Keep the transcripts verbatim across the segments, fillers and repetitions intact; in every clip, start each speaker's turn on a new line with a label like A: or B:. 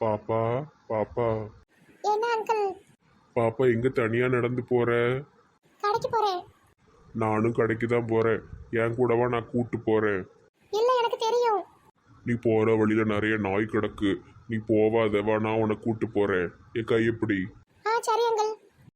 A: பாப்பா பாப்பா
B: என்ன அங்கிள்?
A: பாப்பா எங்க தனியா நடந்து போற?
B: கடைக்கு போறேன்.
A: நானும் கடைக்கு தான் போறேன். என் கூடவா நான் கூட்டு போறேன்.
B: இல்ல எனக்கு தெரியும்.
A: நீ போற வழியில நிறைய நாய் கிடக்கு, நீ போவாதவா, நான் உன்னை கூட்டு போறேன். என் கையப்படி.
B: ஆ சரி அங்கிள்.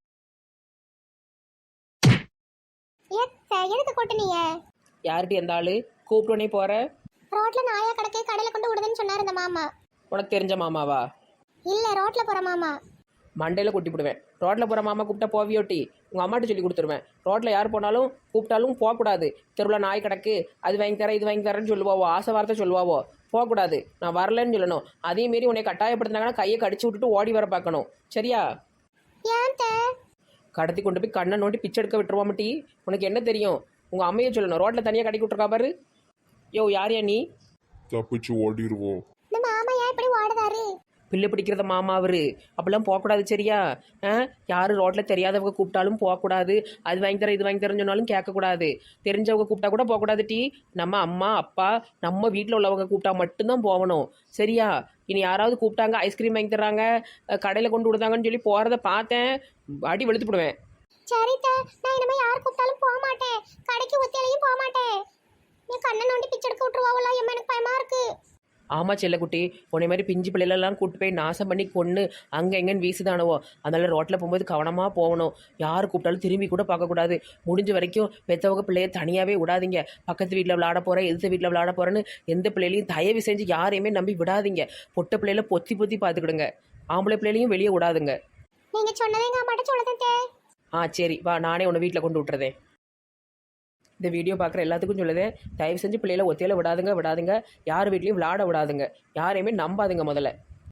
B: ஏத்த எதுக்கு கொட்டுனீங்க?
C: யார்கிட்ட எந்த ஆளு கூப்பிட்டோன்னே போற?
B: ரோட்ல நாயா கடக்கே கடையில கொண்டு விடுதுன்னு சொன்னாரு இந்த மாமா.
C: உனக்கு தெரிஞ்ச மாமாவா?
B: இல்ல ரோட்ல போற மாமா.
C: மண்டையில் கொட்டி விடுவேன். ரோட்டில் போகிற மாமா கூப்பிட்டா போவியோட்டி உங்கள் அம்மாட்ட சொல்லி கொடுத்துருவேன். ரோட்டில் யார் போனாலும் கூப்பிட்டாலும் போகக்கூடாது. தெருவில் நாய் கிடக்கு, அது வாங்கி தரேன் இது வாங்கி தரேன்னு சொல்லுவாவோ, ஆசை வார்த்தை சொல்லுவாவோ. போகக்கூடாது, நான் வரலன்னு சொல்லணும். அதே மாரி உன்னை கட்டாயப்படுத்தினாங்கன்னா கையை கடிச்சு விட்டுட்டு ஓடி வர பார்க்கணும், சரியா?
B: ஏன் தே?
C: கடத்தி கொண்டு போய் கண்ணை நோண்டி பிச்சை எடுக்க விட்டுருவாமட்டி. உனக்கு என்ன தெரியும்? உங்கள் அம்மையை சொல்லணும். ரோட்டில் தனியாக கடைக்கு விட்டுருக்கா பாரு. யோ யாரையா நீ?
A: தப்பிச்சு ஓடிடுவோம்.
B: இந்த மாமா ஏன் இப்படி ஓடுதாரு?
C: பிள்ளை பிடிக்கிறத மாமா அவரு. அப்பெல்லாம் போகக்கூடாது, சரியா? ஆ யாரும் ரோட்டில் தெரியாதவங்க கூப்பிட்டாலும் போகக்கூடாது. அது வாங்கி தரேன் இது வாங்கி தரேன்னு சொன்னாலும் கேட்கக்கூடாது. தெரிஞ்சவங்க கூப்பிட்டா கூட போகக்கூடாது டி. நம்ம அம்மா அப்பா நம்ம வீட்டில் உள்ளவங்க கூப்பிட்டா மட்டும்தான் போகணும், சரியா? இனி யாராவது கூப்பிட்டாங்க ஐஸ்கிரீம் வாங்கி தர்றாங்க கடையில் கொண்டு விடுதாங்கன்னு சொல்லி போகிறத பார்த்தேன், அடி வெளுத்து போடுவேன்.
B: சரி தே, நான் இனிமே யார் கூப்பிட்டாலும் போக மாட்டேன். கடைக்கு ஒத்தையிலையும் போக மாட்டேன். நீ கண்ணை நோண்டி பிச்சை எடுக்க விட்டுருவாங்களா? எம்மா எனக்கு பயமா இருக்கு.
C: ஆமாம் செல்லக்குட்டி, உன்னை மாதிரி பிஞ்சு பிள்ளைகளெல்லாம் கூப்பிட்டு போய் நாசம் பண்ணி கொன்று அங்கே எங்கேன்னு வீசுதானவோ. அதனால் ரோட்டில் போகும்போது கவனமாக போகணும். யார் கூப்பிட்டாலும் திரும்பி கூட பார்க்கக்கூடாது. முடிஞ்ச வரைக்கும் பெற்றவங்க பிள்ளைய தனியாகவே விடாதீங்க. பக்கத்து வீட்டில் விளையாட போகிறேன் எதிர்த்த வீட்டில் விளையாட போகிறேன்னு எந்த பிள்ளைகளையும் தயவு செஞ்சு யாரையுமே நம்பி விடாதீங்க. பொட்டை பிள்ளையில பொத்தி பொத்தி பார்த்துக்கிடுங்க. ஆம்பளை பிள்ளைகளையும் வெளியே விடாதுங்க.
B: நீங்க சொன்னதே எங்க அம்மாட்ட சொல்லுதேன் தே.
C: ஆ சரி வா, நானே உன்னை வீட்டில் கொண்டு விட்டுறதேன். இந்த வீடியோ பார்க்குற எல்லாத்துக்கும் சொல்லுதேன், தயவு செஞ்சு பிள்ளைகளை ஒத்தையில விடாதுங்க விடாதுங்க. யார் வீட்லையும் விளையாட விடாதுங்க. யாரையுமே நம்பாதுங்க. முதல்ல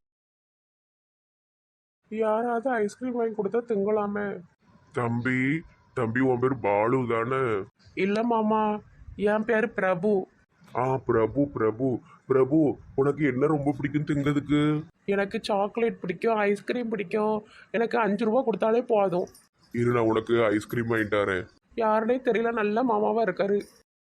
A: யாராவது ஐஸ்கிரீம் வாங்கி கொடுத்தா திங்கலாமே. தம்பி தம்பி உன் பேர் பாலு தானே?
D: இல்லை மாமா, என் பேர் பிரபு.
A: ஆ பிரபு பிரபு பிரபு உனக்கு என்ன ரொம்ப பிடிக்கும் திங்கிறதுக்கு?
D: எனக்கு சாக்லேட் பிடிக்கும், ஐஸ்கிரீம் பிடிக்கும். எனக்கு அஞ்சு ரூபா கொடுத்தாலே போதும்.
A: இரு நான் உனக்கு ஐஸ்கிரீம் வாங்கிட்டு வரேன்.
D: யாருனே தெரியல, நல்ல மாமாவா இருக்காரு.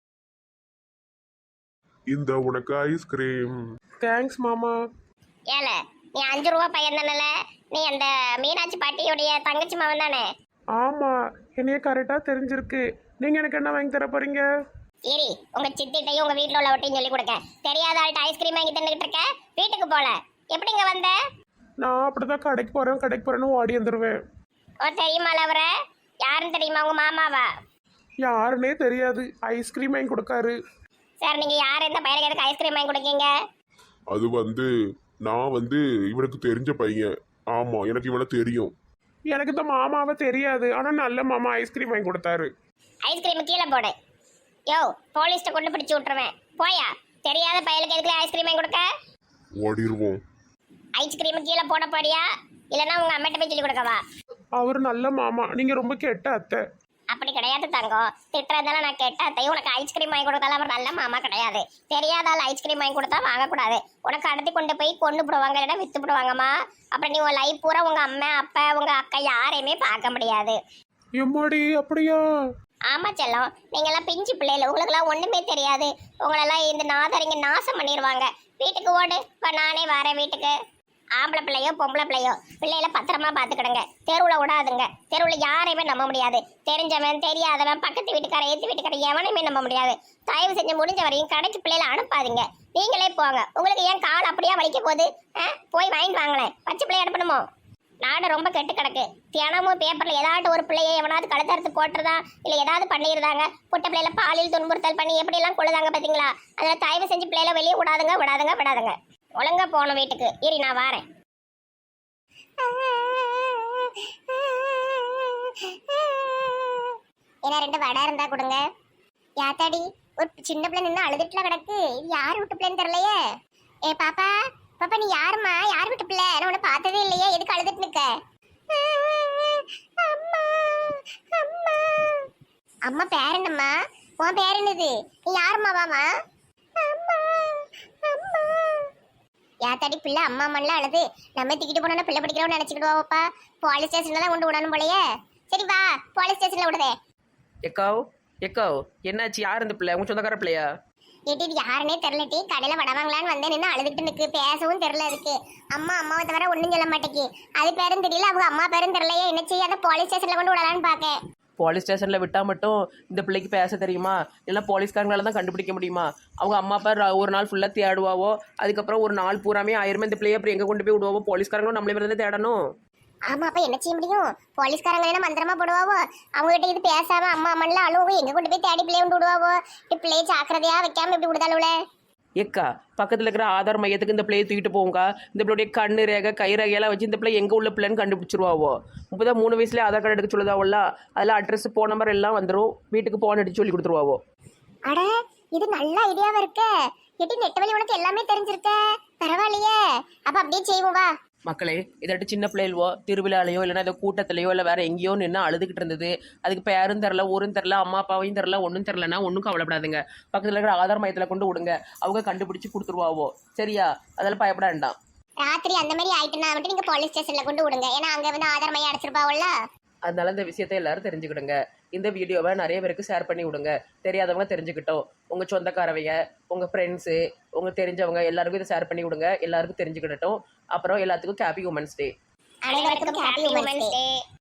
A: இந்த உனக்கு ஐஸ்கிரீம்.
D: தேங்க்ஸ் மாமா.
B: ஏல நீ அஞ்சு ரூபா பையன் தானே? நீ அந்த மீனாட்சி பாட்டியுடைய தங்கச்சி மகன் தானே?
D: ஆமா, என்னைய கரெக்டா தெரிஞ்சிருக்கு. நீங்க எனக்கு என்ன வாங்கி தர போறீங்க?
B: சரி, உங்க சித்திட்டையும் உங்க வீட்டுல உள்ளவட்டையும் சொல்லி கொடுக்க. தெரியாத ஆள்கிட்ட ஐஸ்கிரீம் வாங்கி தந்துகிட்டு இருக்க. வீட்டுக்கு போல எப்படி இங்க வந்த?
D: நான் அப்படிதான் கடைக்கு போறேன் கடைக்கு போறேன்னு ஓடி வந்துருவேன்.
B: ஓ தெரியுமா அவரை? யாருன்னு தெரியுமா? உங்க மாமாவா?
D: யாருன்னே தெரியாது, ஐஸ்கிரீம் வாங்கி கொடுக்காரு.
B: சார் நீங்க யார் எந்த பையனுக்கு எதுக்கு ஐஸ்கிரீம் வாங்கி கொடுக்கீங்க?
A: அது வந்து நான் வந்து இவனுக்கு தெரிஞ்ச பையன். ஆமா எனக்கு இவனை தெரியும்.
D: எனக்கு இந்த மாமாவை தெரியாது, ஆனா நல்ல மாமா ஐஸ்கிரீம் வாங்கி கொடுத்தாரு.
B: ஐஸ்கிரீம் கீழே போடு. யோ போலீஸ்ட்ட கொண்டு பிடிச்சு விட்டுருவேன். போயா, தெரியாத பையனுக்கு எதுக்கு ஐஸ்கிரீம் வாங்கி கொடுக்க?
A: ஓடிடுவோம்.
B: ஐஸ்கிரீம் கீழே போட போறியா இல்லைன்னா உங்க அம்மாட்ட போய் சொல்லி கொடுக்கவா?
D: அவர் நல்ல மாமா, நீங்க ரொம்ப கெட்ட அத்தை.
B: அப்படி கிடையாது தங்கம். திட்டுறதால நான் கெட்ட அத்தை. உனக்கு ஐஸ்கிரீம் வாங்கி கொடுத்தாலும் அவர் நல்ல மாமா கிடையாது. தெரியாத ஆள் ஐஸ்கிரீம் வாங்கி கொடுத்தா வாங்கக்கூடாது. உனக்கு அடுத்து கொண்டு போய் கொண்டு போடுவாங்க, இல்லைன்னா வித்து போடுவாங்கம்மா. அப்புறம் நீ உன் லைஃப் பூரா உங்க அம்மா அப்பா உங்க அக்கா யாரையுமே பார்க்க முடியாது.
D: எம்மாடி அப்படியா?
B: ஆமா செல்லம், நீங்கெல்லாம் பிஞ்சு பிள்ளைல, உங்களுக்கெல்லாம் ஒண்ணுமே தெரியாது. உங்களெல்லாம் இந்த நாதரிங்க நாசம் பண்ணிடுவாங்க. வீட்டுக்கு ஓடு, இப்போ நானே வரேன் வீட்டுக்கு. ஆம்பளை பிள்ளையோ பொம்பளை பிள்ளையோ பிள்ளைகளை பத்திரமா பார்த்துக்கிடுங்க. தெருவில் விடாதுங்க. தெருவில் யாரையுமே நம்ப முடியாது. தெரிஞ்சவன் தெரியாதவன் பக்கத்து வீட்டுக்கார ஏற்று வீட்டுக்கார எவனையுமே நம்ப முடியாது. தயவு செஞ்சு முடிஞ்ச வரையும் கடைக்கு பிள்ளைகளை அனுப்பாதீங்க. நீங்களே போங்க. உங்களுக்கு ஏன் கால் அப்படியே வலிக்க போகுது? ஆ போய் வாங்கிட்டு வாங்களேன். பச்சை பிள்ளைய அனுப்பணுமோ? நாடு ரொம்ப கெட்டு கிடக்கு. தினமும் பேப்பரில் ஏதாட்டு ஒரு பிள்ளையை எவனாவது கழுத்தறுத்து போட்டுறதா இல்லை ஏதாவது பண்ணிடுறாங்க. புட்ட பிள்ளைல பாலியல் துன்புறுத்தல் பண்ணி எப்படிலாம் கொள்ளுதாங்க பார்த்தீங்களா? அதில் தயவு செஞ்சு பிள்ளைகளை வெளியே விடாதுங்க விடாதுங்க விடாதுங்க. ஒழுங்கா போகணும் வீட்டுக்கு. இரு நான் வாரேன். என்ன ரெண்டு வடை இருந்தா கொடுங்க. யாத்தாடி ஒரு சின்ன பிள்ளை நின்று அழுதுட்டுல கிடக்கு. இது யார் விட்டு பிள்ளைன்னு தெரியலையே. ஏ பாப்பா பாப்பா நீ யாருமா? யார் விட்டு பிள்ளை? நான் உன்னை பார்த்ததே இல்லையே. எதுக்கு அழுதுட்டு நிக்க? அம்மா அம்மா அம்மா பேர் என்னம்மா? உன் பேர் என்னது? நீ யாருமா? வாமா. அம்மா அம்மா யாத்தாடி பிள்ளை அம்மா அம்மான்லாம் அழுது. நம்ம தூக்கிட்டு போனோன்னா பிள்ளை பிடிக்கிறோன்னு நினச்சிக்கிடுவாப்பா. போலீஸ் ஸ்டேஷன்ல தான் கொண்டு விடணும் போலையே. சரி வா, போலீஸ் ஸ்டேஷன்ல விடுதே.
C: எக்காவ் எக்காவ் என்னாச்சு? யார் இந்த பிள்ளை? உங்க சொந்தக்கார பிள்ளையா?
B: ஏட்டி இது யாருன்னே தெரிலட்டி கடையில வடவாங்களான்னு வந்து நின்று அழுதுட்டு நிற்கு பேசவும் தெரில இருக்கு அம்மா அம்மாவை தவிர ஒன்றும் சொல்ல மாட்டேங்கி அது பேரும் தெரியல அவங்க அம்மா பேரும் தெரியலையே என்ன செய்ய அதை போலீஸ் ஸ்டேஷன்ல கொண்டு விடலான்னு பார்க்கேன்.
C: போலீஸ் ஸ்டேஷனில் விட்டால் மட்டும் இந்த பிள்ளைக்கு பேச தெரியுமா? இல்லை போலீஸ்காரங்களால தான் கண்டுபிடிக்க முடியுமா? அவங்க அம்மா அப்பா ர- ஒரு நாள் ஃபுல்லாக தேடுவாவோ, அதுக்கப்புறம் ஒரு நாள் பூராமே ஆயிருமே இந்த பிள்ளைய அப்புறம் எங்கே கொண்டு போய் விடுவாவோ? போலீஸ்காரங்களும் நம்மளே வந்து தேடணும்.
B: ஆமா அப்ப என்ன செய்ய முடியும்? போலீஸ்காரங்க என்ன மந்திரமா போடுவாவோ? அவங்க கிட்ட இது பேசாம அம்மா அம்மன்ல அழுவோ எங்க கொண்டு போய் தேடி பிள்ளைய கொண்டு விடுவாவோ? இப்படி பிள்ளைய ஜாக்கிரதையா வைக்காம இப்படி விடுதாளுல.
C: ஏக்கா பக்கத்தில் இருக்கிற ஆதார் மையத்துக்கு இந்த பிள்ளையை தூக்கிட்டு போவோங்கக்கா. இந்த பிள்ளைடைய கண்ணு ரேகை கை ரேகையெல்லாம் வச்சு இந்த பிள்ளை எங்கே உள்ள பிள்ளைன்னு கண்டுபிடிச்சிருவாவோ. முப்பதான் மூணு வயசுலேயே ஆதார் கார்டு எடுக்க சொல்லுதாவோல்ல, அதில் அட்ரஸ் ஃபோன் நம்பர் எல்லாம் வந்துடும். வீட்டுக்கு போன் அடிச்சு சொல்லி கொடுத்துருவாவோ.
B: அட இது நல்ல ஐடியாவா இருக்க. எட்டி நெட்டவழி உனக்கு எல்லாமே தெரிஞ்சிருக்க, பரவாயில்லையே. அப்ப அப்படியே செய்வோம் வா.
C: மக்களே இதாட்டு சின்ன பிள்ளைகளோ திருவிழாலையோ இல்லைன்னா ஏதோ கூட்டத்திலையோ இல்லை வேற எங்கேயோ நின்று அழுதுகிட்டு இருந்தது. அதுக்கு பேரும் தெரில ஊரும் தெரில அம்மா அப்பாவையும் தெரில ஒன்றும் தெரிலனா ஒன்றும் கவலைப்படாதுங்க. பக்கத்தில் இருக்கிற ஆதார் மையத்தில் கொண்டு விடுங்க, அவங்க கண்டுபிடிச்சி கொடுத்துருவாவோ. சரியா? அதெல்லாம் பயப்பட வேண்டாம்.
B: ராத்திரி அந்த மாதிரி ஆயிட்டுனா மட்டும் நீங்க போலீஸ் ஸ்டேஷன்ல கொண்டு விடுங்க, ஏன்னா அங்க வந்து ஆதார் மையம் அடைச்சிருப்பாவுல்ல.
C: அதனால இந்த விஷயத்தை எல்லாரும் தெரிஞ்சுக்கிடுங்க. இந்த வீடியோவை நிறைய பேருக்கு ஷேர் பண்ணி விடுங்க, தெரியாதவங்க தெரிஞ்சுக்கிட்டோம். உங்கள் சொந்தக்காரவைங்க உங்கள் ஃப்ரெண்ட்ஸு உங்கள் தெரிஞ்சவங்க எல்லாருக்கும் இதை ஷேர் பண்ணி விடுங்க, எல்லாருக்கும் தெரிஞ்சுக்கிடட்டும். அப்புறம் எல்லாத்துக்கும் ஹாப்பி உமன்ஸ் டே.
B: அனைவருக்கும் ஹாப்பி உமன்ஸ் டே.